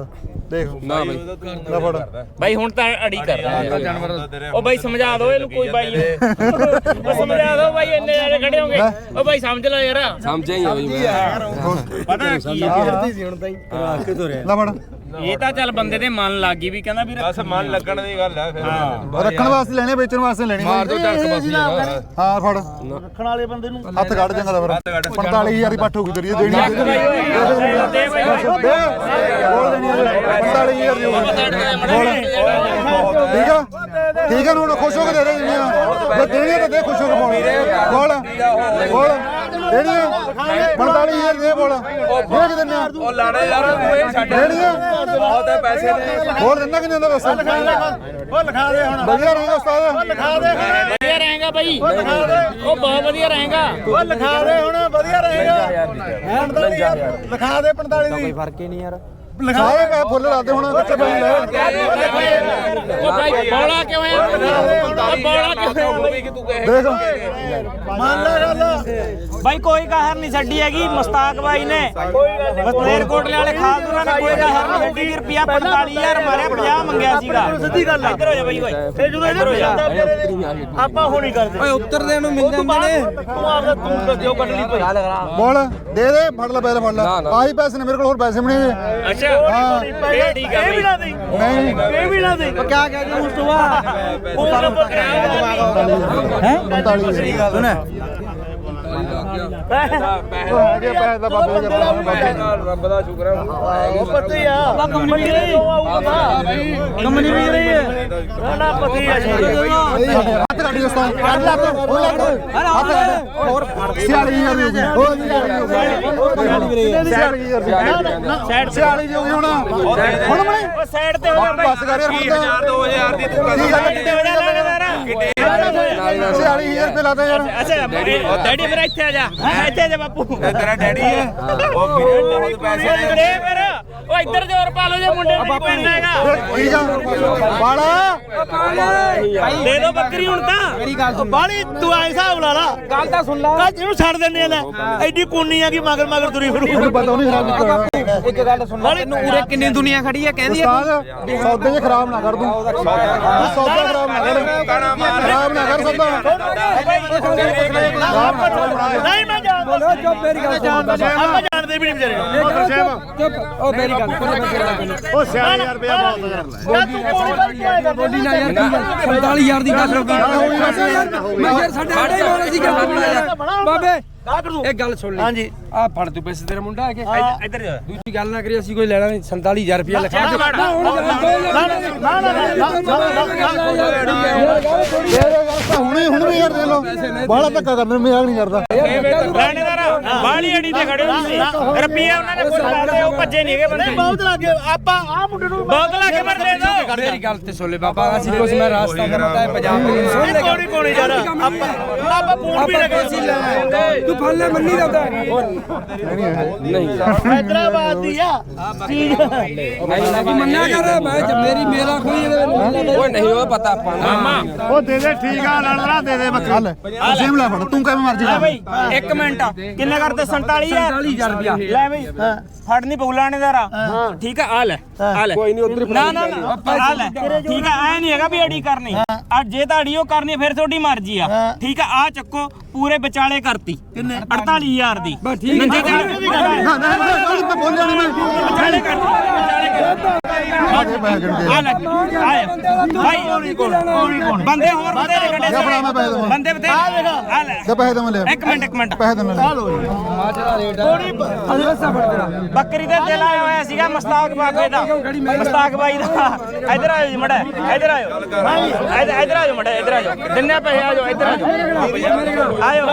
Speaker 3: ਦੇਖ
Speaker 2: ਨਾ ਬਈ
Speaker 3: ਲੈ ਫੜ
Speaker 4: ਬਾਈ ਹੁਣ ਤਾਂ ਅੜੀ ਕਰਦਾ
Speaker 6: ਜਾਨਵਰ
Speaker 4: ਉਹ ਬਾਈ ਸਮਝਾ ਦਿਓ ਇਹਨੂੰ ਕੋਈ ਬਾਈ ਉਹ ਸਮਝਾ ਦਿਓ ਬਾਈ ਇੰਨੇ ਜਾਣੇ ਖੜੇ ਹੋਗੇ ਉਹ ਬਾਈ ਸਮਝ ਲਓ ਯਾਰ
Speaker 2: ਸਮਝਿਆ ਹੀ ਆ ਬਈ ਮੈਂ
Speaker 4: ਪਤਾ ਕੀ ਹੈ
Speaker 3: ਲੈ ਫੜ
Speaker 4: ਇਹ ਤਾਂ ਚੱਲ ਬੰਦੇ ਦੇ ਮਨ ਲੱਗ ਗਈ ਵੀ ਕਹਿੰਦਾ ਵੀ
Speaker 1: ਬਸ ਮਨ ਲੱਗਣ ਦੀ ਗੱਲ ਹੈ ਫਿਰ
Speaker 3: ਰੱਖਣ ਵਾਸਤੇ ਲੈਣੇ ਵੇਚਣ ਵਾਸਤੇ ਲੈਣੀ
Speaker 6: ਮਾਰ ਦੋ ਝੜਕ ਬਸ ਯਾਰ
Speaker 3: ਹਾਂ ਫੜ
Speaker 5: ਰੱਖਣ ਵਾਲੇ ਬੰਦੇ ਨੂੰ
Speaker 3: ਹੱਥ ਕੱਢ ਜਾਂਗਾ ਫਿਰ ਪੰਤਾਲੀ ਹਜ਼ਾਰ ਦੀ ਪੱਠ ਹੋਊਗੀ ਤੇਰੀ ਇਹ ਦੇਣੀ
Speaker 4: ਦੇ ਬਾਈ
Speaker 3: ਬੋਲ ਦੇਣੀ ਪੰਤਾਲੀ ਹਜ਼ਾਰ ਦੀ ਹੋਊਗੀ ਠੀਕ ਆ ਠੀਕ ਆ ਹੁਣ ਖੁਸ਼ ਹੋ ਕੇ ਦੇ ਦੇ ਜਿੰਨੀਆਂ ਜੇ ਦੇਣੀ ਤਾਂ ਦੇ ਖੁਸ਼ ਹੋ ਕੇ ਬੋਲ ਬੋਲ ਬੋਲ ਦੇਣੀ ਪੰਤਾਲੀ ਹਜ਼ਾਰ ਦੇ ਬੋਲ ਦੇ ਕਿ ਦਿੰਨੇ
Speaker 1: ਉਹ ਲਾਣਾ ਯਾਰ ਤੂੰ ਛੱਡ
Speaker 3: ਦੇਣੀ
Speaker 1: ਬਹੁਤ ਹੈ ਪੈਸੇ ਨੇ
Speaker 3: ਬੋਲ ਦਿੰਦਾ ਕਿ ਨਹੀਂ ਦਿੰਦਾ ਦੱਸ
Speaker 5: ਉਹ ਲਿਖਾ ਦੇ ਹੁਣ
Speaker 3: ਵਧੀਆ ਰਹੇਗਾ ਉਸਤਾਦ
Speaker 5: ਲਿਖਾ ਦੇ
Speaker 4: ਵਧੀਆ ਰਹੇਗਾ ਬਾਈ ਉਹ ਬਹੁਤ ਵਧੀਆ ਰਹੇਗਾ
Speaker 5: ਉਹ ਲਿਖਾ ਦੇ ਹੁਣ ਵਧੀਆ ਰਹੇਗਾ ਪੰਤਾਲੀ ਹਜ਼ਾਰ ਲਿਖਾ ਦੇ ਪੰਤਾਲੀ ਦੀ ਕੋਈ ਫਰਕ ਹੀ ਨਹੀਂ ਯਾਰ
Speaker 3: ਸਾਰੇ ਪੈ ਫੁੱਲ ਲਾਦੇ ਹੁਣ ਬੱਚੇ ਬਣ ਲੈ
Speaker 4: ਉਹ ਬਾਈ ਬੋਲਾ ਕਿਉਂ ਆ ਉਹ ਬੋਲਾ ਕਿਉਂ ਆ ਬਾਈ?
Speaker 3: ਦੇਖ
Speaker 5: ਮੰਨ ਲੈ ਗੱਲ
Speaker 4: ਬਾਈ ਕੋਈ ਕਹਿਰ ਨਹੀਂ ਛੱਡੀ ਹੈਗੀ ਮੁਸਤਾਕ ਬਾਈ ਨੇ ਬਸਨੇਰ ਕੋਟਲੇ ਵਾਲੇ ਖਾਲਦੂਰਾਂ ਨੇ ਕੋਈ ਕਹਿਰ ਨਹੀਂ ਛੱਡੀ ਰੁਪਿਆ ਪੰਤਾਲੀ ਹਜ਼ਾਰ ਮਾਰਿਆ ਪੰਜਾਹ ਮੰਗਿਆ ਸੀਗਾ
Speaker 5: ਸਿੱਧੀ ਗੱਲ ਆ
Speaker 4: ਇੱਧਰ ਹੋ ਜਾ ਬਾਈ ਓਏ
Speaker 5: ਇਹ ਜਦੋਂ ਇਹਨੇ ਜਾਂਦਾ ਤੇਰੇ ਨੇ ਆਪਾਂ ਹੁਣ ਹੀ ਕਰਦੇ
Speaker 2: ਓਏ ਉੱਤਰਦੇ ਨੂੰ ਮਿਲ ਜਾਂਦੇ ਨੇ
Speaker 5: ਤੂੰ ਆਪਦਾ ਤੂੰ ਦੱਸਿਓ ਕੱਢ ਲਈ ਕੋਈ
Speaker 3: ਬੋਲ ਦੇ ਦੇ ਫੜ ਲੈ ਪਹਿਲੇ ਫੜ ਲੈ ਆਹੀ ਪੈਸੇ ਨੇ ਮੇਰੇ ਕੋਲ ਹੋਰ ਪੈਸੇ ਵੀ ਨਹੀਂ
Speaker 4: ਅੱਛਾ
Speaker 3: ਹਾਂ
Speaker 4: ਇਹ ਠੀਕ ਆ
Speaker 5: ਇਹ ਵੀ ਨਾ ਦੇ
Speaker 3: ਨਹੀਂ
Speaker 5: ਇਹ ਵੀ ਨਾ ਦੇ ਕੀ ਕਹਿ ਗਿਆ ਉਸ ਤੋਂ ਬਾਅਦ ਉਹ ਨੰਬਰ
Speaker 3: ਹੈ ਪੰਤਾਲੀ ਸੁਣ ਹੈਗੇ ਪੈਸੇ ਦਾ ਬਾਬੇ ਦੇ
Speaker 1: ਰੱਬ ਦਾ ਸ਼ੁਕਰ ਹੈ
Speaker 5: ਉਹ ਪਤੀ ਆ ਕੰਪਨੀ ਵੀ ਰਹੀ ਕੰਪਨੀ ਵੀ ਰਹੀ ਹੈ ਨਾ ਨਾ ਪਤੀ ਆ
Speaker 3: ਹੱਥ ਕੱਢੀ ਉਸ ਤੋਂ ਕੱਢ ਲੈ ਉਹ ਲੱਗ ਹੱਥ ਕੱਢ ਹੋਰ ਛਿਆਲੀ ਹਜ਼ਾਰ ਦੀ ਹੋ ਗਈ ਛਿਆਲੀ ਹਜ਼ਾਰ ਦੀ
Speaker 4: ਸਾਈਡ
Speaker 3: ਛਿਆਲੀ ਦੀ ਹੋ ਗਈ ਹੁਣ ਹੁਣ ਬਣੇ
Speaker 4: ਉਹ ਸਾਈਡ ਤੇ ਹੋ ਜਾ ਬਾਈ
Speaker 3: ਬਸ ਕਰ ਯਾਰ ਹੁਣ ਤਾਂ
Speaker 1: ਦੋ ਹਜ਼ਾਰ ਦੀ ਤੂੰ
Speaker 3: ਕੀ ਗੱਲ
Speaker 4: ਕਿੱਥੇ ਹੋ ਜਾ ਲਾਗੇਦਾਰ
Speaker 3: ਛਿਆਲੀ ਹਜ਼ਾਰ ਰੁਪਏ ਲਾਦੇ ਯਾਰ
Speaker 4: ਅੱਛਾ ਡੈਡੀ ਫਿਰ ਇੱਥੇ ਆ ਜਾ ਇੱਥੇ ਆ ਜਾ ਬਾਪੂ
Speaker 1: ਤੇਰਾ ਡੈਡੀ ਹੈ ਉਹ ਵੀਰੇ ਬਹੁਤ ਪੈਸੇ ਨੇ
Speaker 4: ਦੇ ਫਿਰ ਉਹ ਇੱਧਰ ਜ਼ੋਰ ਪਾ ਲਓ ਜੇ ਮੁੰਡੇ ਨੂੰ ਪੈਣਾ ਹੈਗਾ
Speaker 3: ਠੀਕ ਆ ਬਾਲਾ
Speaker 4: ਦੇ ਦੋ ਬੱਕਰੀ ਹੁਣ ਤਾਂ
Speaker 5: ਮੇਰੀ ਗੱਲ ਸੁਣ ਬਾਲੀ ਤੂੰ ਐ ਹਿਸਾਬ ਲਾ ਲਾ ਗੱਲ ਤਾਂ ਸੁਣ ਲਾ ਇਹਨੂੰ ਛੱਡ ਦਿੰਦੇ ਆ ਲੈ ਐਡੀ ਕੋਨੀ ਆ ਕਿ ਮਗਰ ਮਗਰ ਤੁਰੀ ਫਿਰੂ
Speaker 3: ਮੈਨੂੰ ਪਤਾ ਨਹੀਂ ਖਰਾਬ ਕੀਤਾ
Speaker 5: ਇੱਕ ਗੱਲ ਸੁਣ ਲਾ ਤੈਨੂੰ ਉਰੇ ਕਿੰਨੀ ਦੁਨੀਆ ਖੜੀ ਆ ਕਹਿੰਦੀ
Speaker 3: ਉਸਤਾਦ ਸੌਦੇ 'ਚ ਖਰਾਬ ਨਾ ਕਰ ਦੂੰ ਸੌਦਾ ਖਰਾਬ ਨਾ ਕਰ ਖਰਾਬ ਨਾ ਕਰ ਸੌਦਾ
Speaker 5: ਨਹੀਂ ਮੈਂ ਜਾਣਦਾ ਚੁੱਪ ਮੇਰੀ ਗੱਲ ਸੁਣ ਆਪਾਂ ਜਾਣਦੇ ਵੀ ਨਹੀਂ ਵਿਚਾਰੇ ਚੁੱਪ ਉਹ ਮੇਰੀ ਗੱਲ ਉਹ ਛਿਆਲੀ ਹਜ਼ਾਰ ਰੁਪਇਆ ਬਹੁਤ ਯਾਰ ਤੂੰ ਕੋਣੀ ਕਰਕੇ ਆਏਗਾ ਬੋਲੀ ਨਾ ਯਾਰ
Speaker 2: ਪੰਤਾਲੀ ਹਜ਼ਾਰ ਦੀ ਗੱਲ ਹੋ ਗਈ ਮੈਂ ਯਾਰ ਸਾਡੇ ਆੜੇ ਮਾਰਾ ਸੀ ਗੱਲ ਬਾਬੇ ਇਹ ਗੱਲ ਸੁਣ ਲੈ
Speaker 5: ਹਾਂਜੀ
Speaker 2: ਆ ਫੜ ਤੂੰ ਪੈਸੇ ਤੇਰਾ ਮੁੰਡਾ ਆ ਕੇ
Speaker 4: ਇੱਧਰ ਜਾ
Speaker 2: ਦੂਜੀ ਗੱਲ ਨਾ ਕਰੀ ਅਸੀਂ ਕੋਈ ਲੈਣਾ ਨਹੀਂ ਸੰਤਾਲੀ ਹਜ਼ਾਰ ਰੁਪਇਆ ਲਿਖਾ ਕੇ
Speaker 5: ਨਾ ਨਾ
Speaker 3: ਹੁਣੇ ਹੁਣ ਵੀ ਯਾਰ ਦੇ ਲੋ ਬਾਹਲਾ ਧੱਕਾ ਕਰਨਾ ਮਜ਼ਾਕ ਨਹੀਂ ਕਰਦਾ
Speaker 4: ਲੈਣੇਦਾਰ ਬਾਲੀ ਅੜੀ ਤੇ ਖੜੇ ਹੋ ਤੁਸੀਂ ਰੁਪਈਆ ਉਹਨਾਂ ਨੇ ਕੁਝ ਲਾਦੇ ਉਹ ਭੱਜੇ ਨਹੀਂ ਹੈਗੇ ਬੰਦੇ
Speaker 5: ਬਹੁਤ ਲੱਗੇ ਆਪਾਂ ਆ ਮੁੰਡੇ ਨੂੰ
Speaker 4: ਬਹੁਤ ਲਾ ਕੇ ਮਰ ਦੇ ਦੋ
Speaker 2: ਮੇਰੀ ਗੱਲ ਤੇ ਸੁਣ ਲੈ ਬਾਬਾ ਅਸੀਂ ਕੁਛ ਮੈਂ ਰਾਸਤਾ ਬਣਾਤਾ ਹੈ ਪੰਜਾਬ ਦੇ ਸੁਣ ਲੈ
Speaker 5: ਕੋਣੀ ਕੋਣੀ ਯਾਰ ਆਪਾਂ ਆਪਾਂ ਫੋਨ ਵੀ ਲਗੇ
Speaker 2: ਤੂੰ ਫੜ ਲੈ ਮੰਨੀ ਦਾ ਨਹੀਂ
Speaker 5: ਹੈਦਰਾਬਾਦ ਦੀ ਆ
Speaker 2: ਨਹੀਂ ਮੰਨਿਆ ਕਰ ਮੈਂ ਮੇਰੀ ਮੇਰਾ ਕੋਈ ਓਏ ਨਹੀਂ ਉਹ ਪਤਾ ਆਪਾਂ ਨੂੰ
Speaker 3: ਉਹ ਦੇ ਦੇ ਠੀਕ ਆ ਲੜਨਾ ਦੇ ਦੇ ਬੱਕਰੀ ਅਸੀਮ ਲੈ ਫੜ ਤੂੰ ਕਿਵੇਂ ਮਰਜੀ
Speaker 4: ਲੈ
Speaker 3: ਕਰ
Speaker 4: ਬਈ ਇੱਕ ਮਿੰਟ ਕਿੰਨੇ ਕਰਦੇ ਸੰਤਾਲੀ ਹਜ਼ਾਰ
Speaker 2: ਸੰਤਾਲੀ ਹਜ਼ਾਰ ਰੁਪਇਆ
Speaker 4: ਲੈ ਬਈ ਫੜ ਨਹੀਂ ਪਊ ਲਾਣੇਦਾਰਾ ਠੀਕ ਆ ਆ ਲੈ ਆ ਲੈ
Speaker 2: ਕੋਈ ਨਹੀਂ ਉਧਰ
Speaker 4: ਨਾ ਨਾ ਨਾ ਆ ਲੈ ਠੀਕ ਆ ਐ ਨਹੀਂ ਹੈਗਾ ਵੀ ਅੜੀ ਕਰਨੀ ਆ ਜੇ ਤੁਹਾਡੀ ਉਹ ਕਰਨੀ ਫਿਰ ਤੁਹਾਡੀ ਮਰਜ਼ੀ ਆ ਠੀਕ ਆ ਆ ਚੱਕੋ ਪੂਰੇ ਵਿਚਾਲੇ ਕਰਤੀ ਕਿੰਨੇ ਅੜਤਾਲੀ ਹਜ਼ਾਰ ਦੀ
Speaker 2: ਬਸ ਠੀਕ
Speaker 4: ਨੰਗੇ ਕਰ
Speaker 3: ਨਾ ਨਾ ਨਾ ਬੋਲਿਆ ਨਹੀਂ ਮੈਂ
Speaker 4: ਵਿਚਾਲੇ ਕਰਤੀ ਵਿਚਾਲੇ ਕਰਤੀ
Speaker 3: ਆਗੇ ਪੈ ਗਏ
Speaker 4: ਆ ਲੈ ਆਏ ਭਾਈ ਬੰਦੇ ਹੋਰ ਬੰਦੇ ਨੇ ਕੱਢੇ
Speaker 3: ਜਾ ਫੜਾ ਮੈਂ ਪੈਸੇ ਦਵਾਂ
Speaker 4: ਬੰਦੇ ਬਤੇ ਆ ਲੈ
Speaker 3: ਜਾ ਪੈਸੇ ਦਵਾਂ ਲੈ
Speaker 4: ਇੱਕ ਮਿੰਟ ਇੱਕ ਮਿੰਟ
Speaker 3: ਪੈਸੇ ਦਵਾਂ
Speaker 4: ਬੱਕਰੀ ਦੇ ਦਿਲ ਆਇਆ ਹੋਇਆ ਸੀਗਾ ਮਸਤਾਕ ਬਾਬੇ ਦਾ ਮਸਤਾਕ ਬਾਈ ਦਾ ਇਧਰ ਆਇਓ ਜੀ ਮੜਾ ਇਧਰ ਆਇਓ ਇਧਰ ਆਇਓ ਮੜਾ ਇਧਰ ਆਇਓ ਦਿੰਨੇ ਪੈਸੇ ਆਜੋ ਇਧਰ ਆਜੋ ਆਇਓ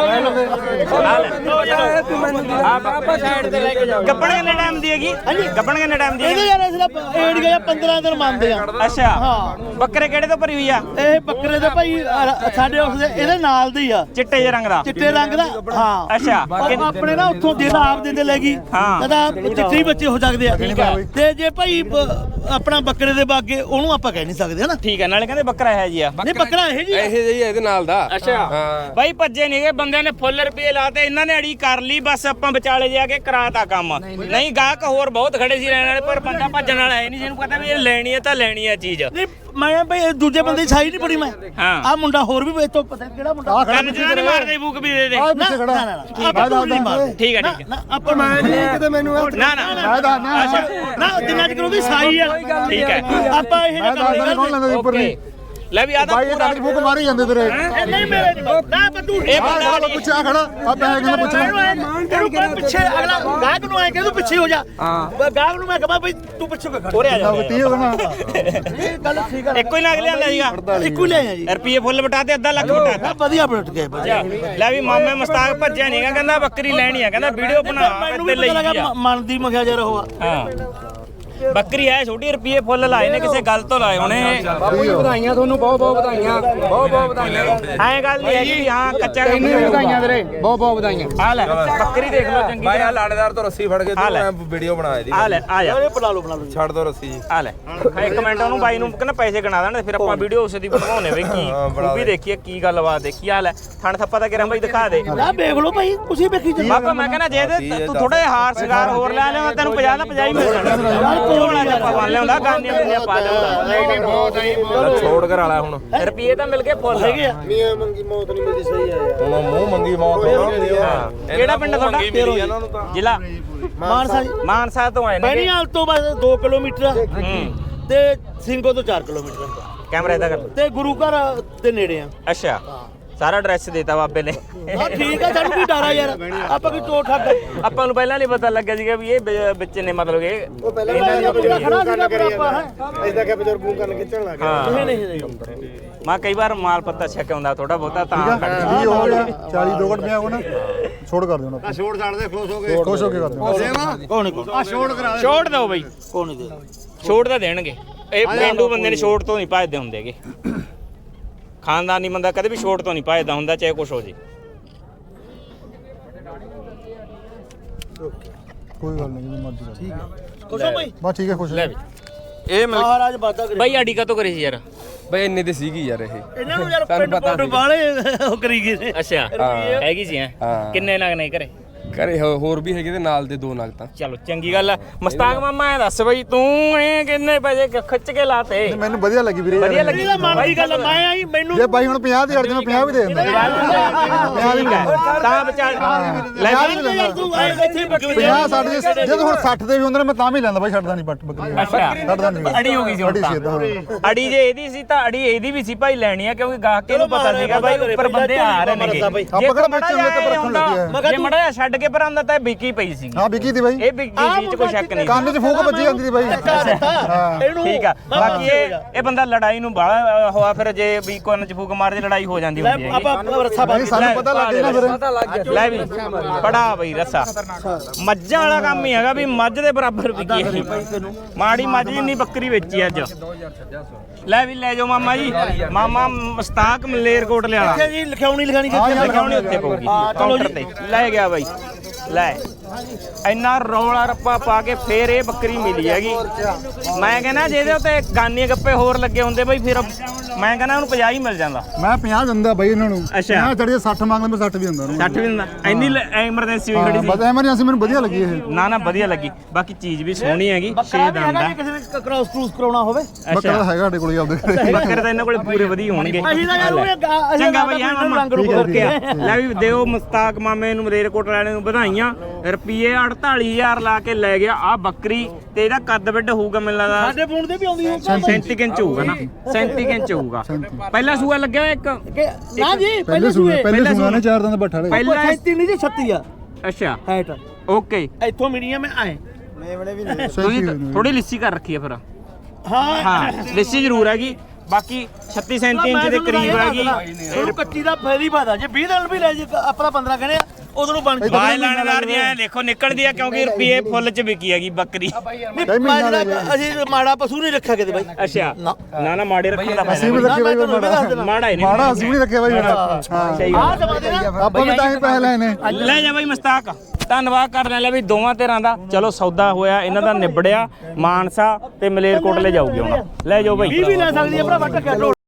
Speaker 4: ਆਪਾਂ ਸਾਈਡ ਤੇ ਲੈ ਕੇ ਜਾਓ ਗੱਪਣ ਕਿੰਨੇ ਟਾਈਮ ਦੀ ਹੈਗੀ ਗੱਪਣ ਕਿੰਨੇ ਟਾਈਮ ਦੀ
Speaker 5: ਇਹਦੇ ਯਾਰ ਇਸ ਦਾ ਏੜ ਗਿਆ ਪੰਦਰਾਂ ਪੰਦਰਾਂ ਦਿਨ ਮੰਨਦੇ ਆ
Speaker 4: ਅੱਛਾ
Speaker 5: ਹਾਂ
Speaker 4: ਬੱਕਰੇ ਕਿਹੜੇ ਤੋਂ ਭਰੀ ਹੋਈ ਆ
Speaker 5: ਇਹ ਬੱਕਰੇ ਦੇ ਭਾਈ ਅ, ਸਾਡੇ ਉਸ ਦੇ ਇਹਦੇ ਨਾਲ ਦੀ ਆ
Speaker 4: ਚਿੱਟੇ ਜਿਹੇ ਰੰਗ ਦਾ
Speaker 5: ਚਿੱਟੇ ਰੰਗ ਦਾ ਹਾਂ
Speaker 4: ਅੱਛਾ
Speaker 5: ਉਹ ਆਪਣੇ ਨਾ ਉੱਥੋਂ ਜਿਹੜਾ ਆਪ ਦਿੰਦੇ ਲੈ ਗਈ
Speaker 4: ਹਾਂ।
Speaker 5: ਕਹਿੰਦਾ ਚਿੱਟੇ ਹੀ ਬੱਚੇ ਹੋ ਸਕਦੇ ਆ ਤੇ ਜੇ ਭਾਈ ਬ- ਆਪਣਾ ਬੱਕਰੇ ਦੇ ਬਾਗੇ ਉਹਨੂੰ ਆਪਾਂ ਕਹਿ ਨਹੀਂ ਸਕਦੇ ਹਨਾ
Speaker 4: ਠੀਕ ਹੈ ਨਾਲੇ ਕਹਿੰਦੇ ਬੱਕਰਾ ਹੈ ਜੀ ਆ
Speaker 5: ਨਹੀਂ ਬੱਕਰਾ ਇਹ ਜੀ ਆ।
Speaker 1: ਇਹ ਜਿਹੀ ਇਹਦੇ ਨਾਲ ਦਾ
Speaker 4: ਅੱਛਾ ਬਾਈ ਭੱਜੇ ਨਹੀਂਗੇ ਬੰਦਿਆਂ ਨੇ ਫੁੱਲ ਰੁਪਏ ਲਾਤੇ ਇਹਨਾਂ ਨੇ ਅੜੀ ਕਰ ਲਈ ਬਸ ਆਪਾਂ ਵਿਚਾਲੇ ਜਾ ਕੇ ਕਰਾਤਾ ਕੰਮ ਨਹੀਂ ਗਾਹਕ ਹੋਰ ਬਹੁਤ ਖੜੇ ਸੀ ਲੈਣ ਵਾਲੇ ਪਰ ਬੰਦਾ ਭੱਜਣ ਵਾਲਾ ਹੈ ਨਹੀਂ ਜਿਹਨੂੰ ਪਤਾ ਵੀ ਇਹ ਲੈਣੀ ਹੈ ਤਾਂ ਲੈਣੀ ਹੈ ਚੀਜ਼
Speaker 5: ਨਹੀਂ ਮੈਂ ਭਾਈ ਇਹ ਦੂਜੇ ਬੰਦੇ ਦੀ ਸਾਈ ਨਹੀਂ ਪੜੀ ਮੈਂ
Speaker 4: ਹਾਂ।
Speaker 5: ਆ ਮੁੰਡਾ ਹੋਰ ਵੀ ਇਤੋਂ ਪਤਾ ਨੀ ਕਿਹੜਾ ਮੁੰਡਾ
Speaker 4: ਕੰਨ ਚ ਨਾ ਨੀ ਮਾਰਦੇ ਬੂਕ ਵੀ ਦੇ ਦੇ
Speaker 3: ਆਹ
Speaker 5: ਨਾ
Speaker 3: ਪਿੱਛੇ
Speaker 5: ਨਾ
Speaker 3: ਖੜਾ
Speaker 5: ਨਾ ਆਪਾਂ ਝੂਠ ਨਹੀਂ ਮਾਰਦੇ
Speaker 4: ਠੀਕ ਹੈ ਠੀਕ ਹੈ
Speaker 5: ਨਾ ਆਪਾਂ ਮੈਂ ਨਹੀਂ ਕਿਤੇ ਮੈਨੂੰ
Speaker 4: ਨਾ ਨਾ
Speaker 3: ਮੈਂ ਦੱਸਦਾ
Speaker 5: ਅੱਛਾ ਨਾ ਜਿੰਨਾ ਚਿਰ ਉਹਦੀ ਸਾਈ ਆ
Speaker 4: ਠੀਕ ਹੈ
Speaker 5: ਆਪਾਂ ਇਹ
Speaker 3: ਮੈਂ ਦੱਸਦਾ ਕੌਣ ਲੈਂਦਾ ਉੱਪਰ
Speaker 4: ਓਕੇ
Speaker 3: ਨਹੀਂ
Speaker 4: ਲੈ ਵੀ ਆ ਤਾਂ
Speaker 3: ਬਾਈ ਇਹ ਟੱਕ ਫੂਕ ਮਾਰੀ ਜਾਂਦੇ ਤੇਰੇ
Speaker 5: ਇਹ ਨਹੀਂ ਮੇਰੇ ਨਾ ਬੱਦੂ
Speaker 4: ਇਹ
Speaker 3: ਆਹ
Speaker 4: ਬੰਦਾ
Speaker 3: ਗੱਲ ਪੁੱਛਿਆ ਖੜਾ ਆ ਪੈਸੇ ਕਿੰਨੇ ਪੁੱਛਣਾ
Speaker 5: ਇਹਨੂੰ ਪਿੱਛੇ ਅਗਲਾ ਗਾਹਕ ਨੂੰ ਆਏ ਕਿ ਤੂੰ ਪਿੱਛੇ ਹੋ ਜਾ ਗਾਹਕ ਨੂੰ ਮੈਂ ਕਹਾਂ ਬਈ ਤੂੰ ਪਿੱਛੇ ਹੋ ਖੜ
Speaker 4: ਉਰੇ ਆ ਜਾ
Speaker 3: ਤੀ ਹੋ ਨਾ
Speaker 5: ਇਹ ਗੱਲ ਠੀਕ ਆ
Speaker 4: ਇੱਕੋ ਹੀ ਲੱਗ ਲਿਆਂਦਾ ਸੀਗਾ
Speaker 5: ਇੱਕੋ ਲੈ ਆ ਜੀ
Speaker 4: ਰੁਪਏ ਫੁੱਲ ਬਟਾ ਤੇ ਅੱਧਾ ਲੱਖ ਬਟਾਤਾ
Speaker 5: ਆ ਵਧੀਆ ਪਲਟ ਗਏ ਵਧੀਆ
Speaker 4: ਲੈ ਵੀ ਮਾਮੇ ਮਸਤਾਕ ਭੱਜਿਆ ਨਹੀਂਗਾ ਕਹਿੰਦਾ ਬੱਕਰੀ ਲੈਣੀ ਆ ਕਹਿੰਦਾ ਵੀਡੀਓ ਬਣਾ
Speaker 5: ਮੈਨੂੰ
Speaker 4: ਤੇ
Speaker 5: ਵੀ
Speaker 4: ਲਈ
Speaker 5: ਪਤਾ ਲੱਗਾ
Speaker 4: ਆ
Speaker 5: ਮਨ ਦੀ ਮਖਿਆ ਜਰ ਹੋਆ
Speaker 4: ਹਾਂ ਬੱਕਰੀ ਹੈ ਛੋਟੀ ਰੁਪਏ ਫੁੱਲ ਲਾਏ ਨੇ ਕਿਸੇ ਗੱਲ ਤੋਂ ਲਾਏ ਹੋਣੇ
Speaker 6: ਵਧਾਈਆਂ ਤੁਹਾਨੂੰ ਬਹੁਤ ਬਹੁਤ ਵਧਾਈਆਂ ਬਹੁਤ ਬਹੁਤ ਵਧਾਈਆਂ
Speaker 4: ਐਂ ਗੱਲ ਨਹੀਂ ਹੈਗੀ ਵੀ ਹਾਂ ਕੱਚਾ ਕੰਮ
Speaker 6: ਤੈਨੂੰ ਵੀ ਵਧਾਈਆਂ ਵੀਰੇ ਬਹੁਤ ਬਹੁਤ ਵਧਾਈਆਂ
Speaker 4: ਆ ਲੈ ਬੱਕਰੀ ਦੇਖ ਲਓ ਚੰਗੀ
Speaker 1: ਬਾਈ ਆ
Speaker 4: ਤਰ੍ਹਾਂ
Speaker 1: ਲਾੜੇਦਾਰ ਤੋਂ ਰੱਸੀ ਫੜ ਕੇ
Speaker 4: ਆ ਲੈ।
Speaker 1: ਤੂੰ ਵੀਡੀਓ ਬਣਾ ਇਹਦੀ
Speaker 4: ਆ ਲੈ ਆ ਜਾ
Speaker 5: ਇਹ ਬਣਾ ਲਓ ਬਣਾ ਲਓ
Speaker 1: ਛੱਡ ਦੋ ਰੱਸੀ ਜੀ
Speaker 4: ਆ ਲੈ ਹਾਂ ਇੱਕ ਮਿੰਟ ਉਹਨੂੰ ਬਾਈ ਨੂੰ ਕਹਿੰਦਾ ਪੈਸੇ ਗਿਣਾ ਦੇਣ ਫਿਰ ਆਪਾਂ ਵੀਡੀਓ ਉਸੇ ਦੀ ਬਣਵਾਉਣੇ ਵੇ ਕੀ
Speaker 1: ਹਾਂ, ਬਣਾ
Speaker 4: ਉਹ ਵੀ
Speaker 1: ਦੇ।
Speaker 4: ਦੇਖੀਏ ਕੀ ਗੱਲਬਾਤ ਦੇਖੀ ਆ ਲੈ ਥਣ ਥੱਪਾ ਤਾਂ ਕਿਰਾਂ ਬਾਈ ਦਿਖਾ ਦੇ
Speaker 5: ਆ ਵੇਖ ਲਓ ਭਾਈ ਤੁਸੀਂ ਵੇਖੀ ਜੀ
Speaker 4: ਬਾਬਾ ਮੈਂ ਕਹਿੰਦਾ ਜੇ ਇਹਦੇ ਤੂੰ ਥੋੜੇ ਹਾਰ ਸ਼ਿੰਗਾਰ ਹੋਰ ਲੈ ਲਿਆ ਤੈਨੂੰ ਪੰਜਾਹ ਦਾ ਪੰਜਾਹ ਹੀ ਮਿਲ ਜਾਣਾ ਯਾਰ ਕੋਲ ਆ ਜਾ ਪਾ ਲਿਆਉਂਦਾ ਗਾਨੀਆਂ ਗੁੰਨੀਆਂ ਪਾ ਲਿਆਉਂਦਾ
Speaker 6: ਨਹੀਂ ਨਹੀਂ ਬਹੁਤ ਨਹੀਂ
Speaker 1: ਲੈ ਛੋੜ ਕਰ ਵਾਲਾ ਹੁਣ
Speaker 4: ਰੁਪਏ ਤਾਂ ਮਿਲ ਗਏ ਫੁੱਲ
Speaker 5: ਹੈਗੇ ਆ
Speaker 3: ਮੀਆਂ ਮੰਗੀ ਮੌਤ ਨਹੀਂ ਮਿਲਦੀ ਸਹੀ ਆ
Speaker 1: ਹੁਣ ਮੂੰਹ ਮੰਗੀ ਮੌਤ ਹੋਣਾ
Speaker 4: ਹਾਂ ਕਿਹੜਾ ਪਿੰਡ ਤੁਹਾਡਾ
Speaker 1: ਇਹਨਾਂ ਨੂੰ ਤਾਂ
Speaker 4: ਜ਼ਿਲ੍ਹਾ
Speaker 5: ਮਾਨਸਾ ਜੀ
Speaker 4: ਮਾਨਸਾ ਤੋਂ ਆਏ ਨੇ
Speaker 5: ਬੈਣੀਵਾਲ ਤੋਂ ਬਸ ਦੋ ਕਿਲੋਮੀਟਰ ਆ
Speaker 4: ਹੂੰ
Speaker 5: ਤੇ ਸਿੰਘੋ ਤੋਂ ਚਾਰ ਕਿਲੋਮੀਟਰ
Speaker 4: ਕੈਮਰਾ ਇਹਦਾ ਕਰ
Speaker 5: ਤੇ ਗੁਰੂ ਘਰ ਦੇ ਨੇੜੇ ਆ
Speaker 4: ਅੱਛਾ ਸਾਰਾ ਐਡਰੈਸ ਦੇਤਾ ਬਾਬੇ ਨੇ
Speaker 5: ਹਾਂ ਠੀਕ ਆ ਸਾਨੂੰ ਕੀ ਡਰ ਆ ਯਾਰ ਆਪਾਂ ਕੀ ਟੋਟ ਠੱਗ
Speaker 4: ਆਪਾਂ ਨੂੰ ਪਹਿਲਾਂ ਨਹੀਂ ਪਤਾ ਲੱਗਿਆ ਸੀਗਾ ਵੀ ਇਹ ਬ- ਬੱਚੇ ਨੇ ਮਤਲਬ ਇਹ
Speaker 5: ਇਹਨਾਂ ਦੀ ਆਪਣੀ ਖੜਾ ਸੀਗਾ ਪਰ ਆਪਾਂ ਹੈ
Speaker 3: ਇਦਾਂ ਕਿ ਬਜ਼ੁਰਗ ਨੂੰ ਕਰਨ ਖਿੱਚਣ ਲੱਗ
Speaker 4: ਹਾਂ
Speaker 5: ਨਹੀਂ ਨਹੀਂ
Speaker 4: ਮੈਂ ਕਈ ਵਾਰ ਮਾਲ ਪੱਤਾ ਛੱਕ ਆਉਂਦਾ ਥੋੜਾ ਬਹੁਤਾ ਤਾਂ ਕੱਢ ਦਿੰਦਾ।
Speaker 3: ਵੀਹ ਹੋ ਗਿਆ ਚਾਲੀ ਦੋ ਘੰਟ ਪਿਆ ਹੋਣਾ ਛੋੜ ਕਰ ਦਿਓ ਨਾ ਛੋੜ ਛੱਡ ਦੇ ਖੁਸ਼ ਹੋ ਕੇ ਖੁਸ਼ ਹੋ ਕੇ ਕਰ ਦਿਓ
Speaker 5: ਕੋਣ ਕੋ
Speaker 3: ਆ ਛੋੜ ਕਰਾ
Speaker 4: ਛੋੜ ਦਿਓ ਬਈ
Speaker 5: ਕੋਣ ਨਹੀਂ ਦੇ
Speaker 4: ਛੋੜ ਤਾਂ ਦੇਣਗੇ ਇਹ ਪਿੰਡੂ ਬੰਦੇ ਨੇ ਛੋੜ ਤੋਂ ਨਹੀਂ ਭੱਜਦੇ ਹੁੰਦੇਗੇ ਖਾਨਦਾਨੀ ਬੰਦਾ ਕਦੇ ਵੀ ਛੋੜ ਤੋਂ ਨਹੀਂ ਭੱਜਦਾ ਹੁੰਦਾ ਚਾਹੇ ਕੁਛ ਹੋ ਜੇ
Speaker 3: ਕੋਈ ਗੱਲ ਨਹੀਂ ਜਿਵੇਂ ਮਰਜ਼ੀ ਕਰ ਠੀਕ ਹੈ
Speaker 5: ਖੁਸ਼ ਹੋ ਭਾਈ
Speaker 3: ਬਸ ਠੀਕ ਹੈ ਖੁਸ਼
Speaker 4: ਲੈ ਵੀ
Speaker 1: ਇਹ ਮਿਲ
Speaker 5: ਮਹਾਰਾਜ ਬਾਦਾ ਕਰੇ
Speaker 4: ਬਈ ਆਡੀ ਕਾ ਤੋਂ ਕਰੀ ਸੀ ਯਾਰ
Speaker 1: ਬਈ ਇੰਨੇ ਤੇ ਸੀਗੀ ਯਾਰ ਇਹ
Speaker 5: ਇਹਨਾਂ ਨੂੰ ਯਾਰ
Speaker 1: ਸਾਨੂੰ
Speaker 5: ਪਿੰਡ
Speaker 1: ਪਤਾ
Speaker 5: ਪੁੰਡ
Speaker 1: ਸੀਗਾ।
Speaker 5: ਵਾਲੇ ਉਹ ਕਰੀ ਗਏ ਨੇ
Speaker 4: ਅੱਛਾ ਹੈਗੀ ਸੀ ਹੈ
Speaker 1: ਹਾਂ।
Speaker 4: ਕਿੰਨੇ ਨਗ ਨਹੀਂ ਘਰੇ
Speaker 1: ਘਰੇ ਹੋ- ਹੋਰ ਵੀ ਹੈਗੇ ਤੇ ਨਾਲ ਦੇ ਦੋ ਨਗ ਤਾਂ
Speaker 4: ਚਲੋ ਚੰਗੀ ਗੱਲ ਆ ਮਸਤਾਕ ਮਾਮਾ ਐ ਦੱਸ ਬਈ ਤੂੰ ਇਹ ਕਿੰਨੇ ਪੈਸੇ ਖ- ਖਿੱਚ ਕੇ ਲਾਤੇ
Speaker 3: ਮੈਨੂੰ ਵਧੀਆ ਲੱਗੀ ਵੀਰੇ ਯਾਰ।
Speaker 4: ਵਧੀਆ ਲੱਗੀ
Speaker 5: ਇਹਦਾ ਮਨ ਦੀ ਗੱਲ ਆ, ਮੈਂ ਆਈ ਮੈਨੂੰ
Speaker 3: ਜੇ ਬਾਈ ਹੁਣ ਪੰਜਾਹ ਦੀ ਅੜ ਜਾਣਾ ਪੰਜਾਹ ਵੀ ਦੇ ਦਿੰਦਾ
Speaker 4: ਠੀਕ ਹੈ ਤਾਂ ਵਿਚਾਰ ਲੈ
Speaker 3: ਪੰਜਾਹ ਵੀ
Speaker 4: ਵੀ
Speaker 3: ਲੈਂਦਾ
Speaker 5: ਤੂੰ ਆਏ ਇੱਥੇ ਬੱਕਰੀ
Speaker 3: ਪੰਜਾਹ ਸੱਠ ਦੇ ਜਦੋਂ ਹੁਣ ਸੱਠ ਦੇ ਵੀ ਹੁੰਦੇ ਨੇ ਮੈਂ ਤਾਂ ਵੀ ਲੈਂਦਾ ਬਾਈ ਛੱਡਦਾ ਨਹੀਂ ਬੱਟ ਬੱਕਰੀ
Speaker 4: ਅੱਛਾ
Speaker 3: ਛੱਡਦਾ ਨਹੀਂ
Speaker 4: ਅੜੀ ਹੋ ਗਈ ਸੀ ਹੁਣ
Speaker 3: ਅੜੀ ਸੀ
Speaker 4: ਤਾਂ
Speaker 3: ਏਦਾਂ, ਹਾਂ।
Speaker 4: ਅੜੀ ਜੇ ਇਹਦੀ ਸੀ ਤਾਂ ਅੜੀ ਇਹਦੀ ਵੀ ਸੀ ਭਾਈ ਲੈਣੀ ਆ ਕਿਉਂਕਿ ਗਾਹਕੇ ਨੂੰ ਪਤਾ ਸੀਗਾ ਭਾਈ ਉੱਪਰ ਬੰਦੇ ਆ ਰਹੇ ਨੇਗੇ
Speaker 3: ਆਪਾਂ ਕਿਹੜਾ ਵੇਚਣ ਦੇ ਤੇ ਰੱਖਣ ਲੱਗੇ ਆ
Speaker 4: ਜੇ ਮੜਾ ਛੱਡ ਕੇ ਪਰਾਂਦਾ ਤਾਂ ਇਹ ਵਿਕੀ ਪਈ ਸੀ
Speaker 3: ਹਾਂ ਵਿਕੀ ਦੀ ਬਾਈ
Speaker 4: ਇਹ ਵਿਕੀ ਸੀ ਚ ਕੋਈ ਸ਼ੱਕ ਨਹੀਂ
Speaker 3: ਕੰਨ 'ਚ ਫੂਕ ਵੱਜੀ ਜਾਂਦੀ ਦੀ ਬਾਈ ਹਾਂ
Speaker 5: ਇਹਨੂੰ
Speaker 4: ਠੀਕ ਆ ਬਾਕੀ ਇਹ ਇਹ ਬੰਦਾ ਲੜਾਈ ਨੂੰ ਬਾਹਲਾ ਹੋਆ ਫਿਰ ਜੇ ਵੀ ਕੰਨ ਚ ਫੂਕ ਮਾਰਦੇ ਲੜਾਈ ਹੋ ਜਾਂਦੀ ਹੁੰਦੀ ਹੈਗੀ
Speaker 5: ਆਪਾਂ ਰੱਸਾ
Speaker 3: ਨਹੀਂ ਸਾਨੂੰ ਪਤਾ ਲੱਗ ਗਿਆ ਨਾ ਫਿਰ
Speaker 4: ਲੈ ਵੀ ਬੜਾ ਬਈ ਰੱਸਾ ਮੱਝਾਂ ਵਾਲਾ ਕੰਮ ਹੀ ਹੈਗਾ ਵੀ ਮੱਝ ਦੇ ਬਰਾਬਰ ਵਿਕੀ ਇਹ ਮਾੜੀ ਮੱਝ ਜਿੰਨੀ ਬੱਕਰੀ ਵੇਚੀ ਅੱਜ ਲੈ ਵੀ ਲੈ ਜਾਓ ਮਾਮਾ ਜੀ ਮਾਮਾ ਮਸਤਾਕ ਮਲੇਰਕੋਟ ਲਿਆਲਾ
Speaker 5: ਅੱਛਾ ਜੀ ਲਿਖਾਉਣੀ ਲਿਖਾਣੀ ਕਿੱਥੇ
Speaker 4: ਲਿਖਾਉਣੀ ਉੱਤੇ ਪਊਗੀ ਕਾਊਂਟਰ ਤੇ ਲੈ ਗਿਆ ਬਾਈ ਲੈ ਇੰਨਾ ਰੌਲਾ ਰੱਪਾ ਪਾ ਕੇ ਫੇਰ ਇਹ ਬੱਕਰੀ ਮਿਲੀ ਹੈਗੀ ਮੈਂ ਕਹਿੰਦਾ ਜੇ ਇਹਦੇ ਉੱਤੇ ਗਾਨੇ ਗੱਪੇ ਹੋਰ ਲੱਗੇ ਹੁੰਦੇ ਬਈ ਫਿਰ ਮੈਂ ਕਹਿੰਦਾ ਉਹਨੂੰ ਪੰਜਾਹ ਹੀ ਮਿਲ ਜਾਂਦਾ
Speaker 3: ਮੈਂ ਪੰਜਾਹ ਦਿੰਦਾ ਬਾਈ ਇਹਨਾਂ ਨੂੰ
Speaker 4: ਅੱਛਾ।
Speaker 3: ਪੰਜਾਹ ਚੜੀਏ ਸੱਠ ਮੰਗਦੇ ਮੈਂ ਸੱਠ ਵੀ ਦਿੰਦਾ ਉਹਨੂੰ
Speaker 4: ਸੱਠ ਵੀ ਦਿੰਦਾ ਇੰਨੀ ਐਮਰਜੈਂਸੀ ਹੋਈ ਖੜੀ ਸੀ
Speaker 3: ਬਸ ਐਮਰਜੈਂਸੀ ਮੈਨੂੰ ਵਧੀਆ ਲੱਗੀ ਇਹ
Speaker 4: ਨਾ ਨਾ ਵਧੀਆ ਲੱਗੀ ਬਾਕੀ ਚੀਜ਼ ਵੀ ਸੋਹਣੀ ਹੈਗੀ ਛੇ ਦੰਦ ਆ
Speaker 5: ਕਿਸੇ ਨੇ ਕ੍ਰਾਸ ਕਰੂਸ ਕਰਾਉਣਾ ਹੋਵੇ
Speaker 3: ਬੱਕਰਾ ਤਾਂ ਹੈਗਾ ਸਾਡੇ ਕੋਲ ਆਪਦੇ ਘਰੇ।
Speaker 4: ਬੱਕਰੇ ਤਾਂ ਇਹਨਾਂ ਕੋਲੇ ਪੂਰੇ ਵਧੀਆ ਹੋਣਗੇ
Speaker 5: ਅਸੀਂ ਤਾਂ ਯਾਰ ਉਹਨੇ ਗਾ- ਅਸੀਂ
Speaker 4: ਚੰਗਾ
Speaker 5: ਤਾਂ
Speaker 4: ਬਈ ਹਾਂ
Speaker 5: ਆਪਣੇ
Speaker 4: ਮਾਮਾ
Speaker 5: ਰੰਗ ਰੂਪ
Speaker 4: ਹੋਰ ਕਿਆ
Speaker 5: ਕਰਕੇ।
Speaker 4: ਲੈ ਵੀ ਦਿਓ ਮਸਤਾਕ ਮਾਮੇ ਨੂੰ ਮਲੇਰਕੋਟ ਵਾਲੇ ਨੂੰ ਵਧਾਈਆਂ ਰੁਪਏ ਅੜਤਾਲੀ ਹਜ਼ਾਰ ਲਾ ਕੇ ਲੈ ਗਿਆ ਆ ਬੱਕਰੀ ਤੇ ਇਹਦਾ ਕੱਦ ਵੱਡ ਹੋਊਗਾ ਮੈਨੂੰ ਲੱਗਦਾ
Speaker 5: ਸਾਡੇ ਫੋਨ ਤੇ ਵੀ ਆਉਂਦੀ ਹੋਊ
Speaker 4: ਸੈਂਤੀ ਇੰਚ ਹੋਊਗਾ ਨਾ ਸੈਂਤੀ ਇੰਚ ਹੋਊਗਾ ਪਹਿਲਾ ਸੂਆ ਲੱਗਿਆ ਹੋਇਆ ਇੱਕ
Speaker 5: ਕਿ ਨਾ ਜੀ
Speaker 3: ਪਹਿਲੇ
Speaker 5: ਪਹਿਲੇ
Speaker 3: ਸੂਏ
Speaker 5: ਸੂਏ
Speaker 3: ਪਹਿਲੇ ਸੂਏ ਨੇ ਚਾਰ ਦਿਨ ਦਾ ਬੱਠਾ ਲੈ
Speaker 4: ਪਹਿਲਾ
Speaker 5: ਪੈਂਤੀ ਨਹੀਂ ਜੀ ਛੱਤੀ ਆ
Speaker 4: ਅੱਛਾ
Speaker 5: ਹਾਈਟ
Speaker 4: ਓਕੇ
Speaker 5: ਇੱਥੋਂ ਮਿਲੀ ਆ ਮੈਂ ਆਏ
Speaker 4: ਤੁਸੀਂ ਥੋੜੀ ਲਿੱਸੀ ਕਰ ਰੱਖੀ ਹੈ ਫਿਰ
Speaker 5: ਹਾਂ
Speaker 4: ਹਾਂ ਲਿੱਸੀ ਜ਼ਰੂਰ ਹੈਗੀ ਬਾਕੀ ਛੱਤੀ ਸੈਂਤੀ ਇੰਚ ਦੇ ਕਰੀਬ ਹੈਗੀ
Speaker 5: ਉਹਨੂੰ ਕੱਚੀ ਦਾ ਫੇਰੀ ਪਾਦਾ ਜੇ ਵੀਹ ਦਿਨ ਵੀ ਲੈ ਜੇ ਆਪਣਾ ਪੰਦਰਾਂ ਕਹਿੰਦੇ ਆ ਉਦੋਂ ਨੂੰ ਬਣ ਜੂ
Speaker 4: ਬਾਜ ਲਾਣੇਦਾਰ ਦੀਆਂ ਐਂ ਦੇਖੋ ਨਿਕਲਦੀ ਆ ਕਿਉਂਕਿ ਰੁਪਏ ਫੁੱਲ ਚ ਵਿਕੀ ਹੈਗੀ ਬੱਕਰੀ
Speaker 5: ਨਹੀਂ ਅਸੀਂ ਮਾੜਾ ਪਸ਼ੂ ਨਹੀਂ ਰੱਖਿਆ ਕਿਤੇ ਬਾਈ
Speaker 4: ਅੱਛਾ ਨਾ ਨਾ ਮਾੜੇ ਰੱਖਣ ਦਾ
Speaker 3: ਅਸੀਂ ਵੀ
Speaker 4: ਫਾਇਦਾ
Speaker 3: ਰੱਖੇ ਬਾਈ ਮਾੜਾ
Speaker 4: ਮਾੜਾ ਹੀ ਨਹੀਂ
Speaker 3: ਮਾੜਾ ਅਸੀਂ ਵੀ ਰੱਖੇ ਬਾਈ ਹਾਂ
Speaker 4: ਸਹੀ
Speaker 5: ਆਹ ਦਵਾ ਦੇ ਨਾ
Speaker 3: ਆਪਾਂ ਵੀ ਤਾਂ ਹੀ ਪੈਸੇ ਲੈਣੇ
Speaker 4: ਲੈ ਜਾ ਬਾਈ ਮਸਤਾਕ ਧੰਨਵਾਦ ਕਰਨ ਲੈ ਵੀ ਦੋਵਾਂ ਧਿਰਾਂ ਦਾ ਚਲੋ ਸੌਦਾ ਹੋਇਆ ਇਹਨਾਂ ਦਾ ਨਿਬੜਿਆ ਮਾਨਸਾ ਤੇ ਮਲੇਰਕੋਟਲੇ ਜਾਊਗੀ ਹੁਣ ਲੈ ਜਾਓ ਬਾਈ
Speaker 5: ਵੀਹ ਵੀ ਲੈ ਸਕਦੀ ਆ ਭਰਾ ਟੱਕਿਆ